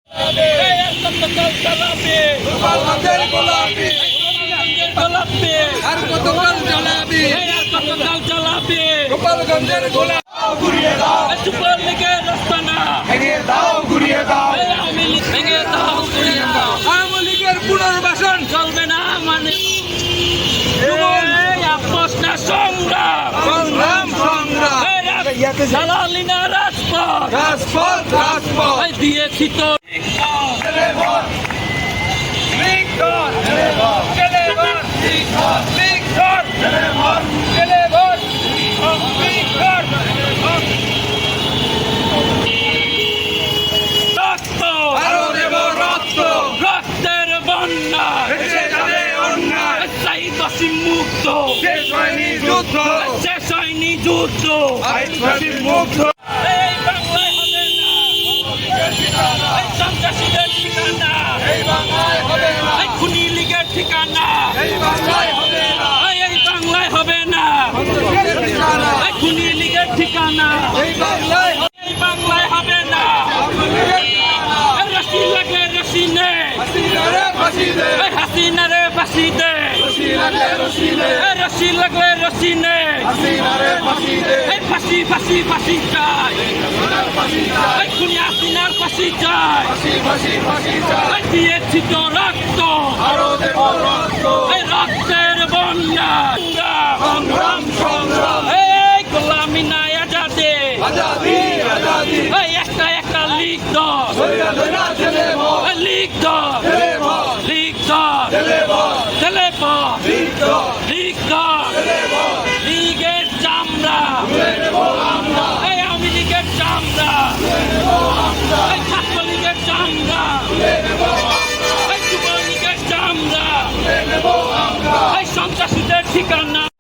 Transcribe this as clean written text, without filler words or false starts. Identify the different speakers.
Speaker 1: গোপালগঞ্জের গোলাপ ঘুরিয়ে দাও, সুপার লিগের রাস্তানা ভেঙে দাও, ঘুরিয়ে দাও, আওয়ামী লীগ ভেঙে দাও, ঘুরিয়ে দাও, আওয়ামী লীগের পুনর্বাসন চলবে না মানে আপোষ না সংগ্রাম, সংগ্রাম সংগ্রাম, দালালি না রাজপথ, রাজপথ রাজপথ দিয়েছি তো রক্তের বন্যা মুক্ত, শেষ হয়নি যুদ্ধ, শেষ হয়নি যুদ্ধ, মুক্ত। এই বাংলায় হবে না এই সন্ত্রাসীদের ঠিকানা, এই বাংলায় হবে না এই খুনি লীগের ঠিকানা, এই বাংলায় হবে না এই বাংলায় হবে না এই খুনি লীগের ঠিকানা, এই বাংলায় হবে না রশি লাগে রশি নে, হাসিনা রে ফাঁসি দে, রশি লাগলে রশি নে, ফাঁসি ফাঁসি ফাঁসি চাই, খুনি হাসিনার ফাঁসি চাই, দিয়েছি তো রক্ত, রক্তের বন্যা, সংগ্রাম সংগ্রাম, এই গোলামি নাই আজাদে, একটা একটা লিগ দল, লিগ দল, লিগ দল, লীগের চামড়া, এই আওয়ামী লীগের চামড়া, এই ছাত্র লীগের চামড়া, এই যুব লীগের চামড়া, এই সন্ত্রাসীদের ঠিকানা।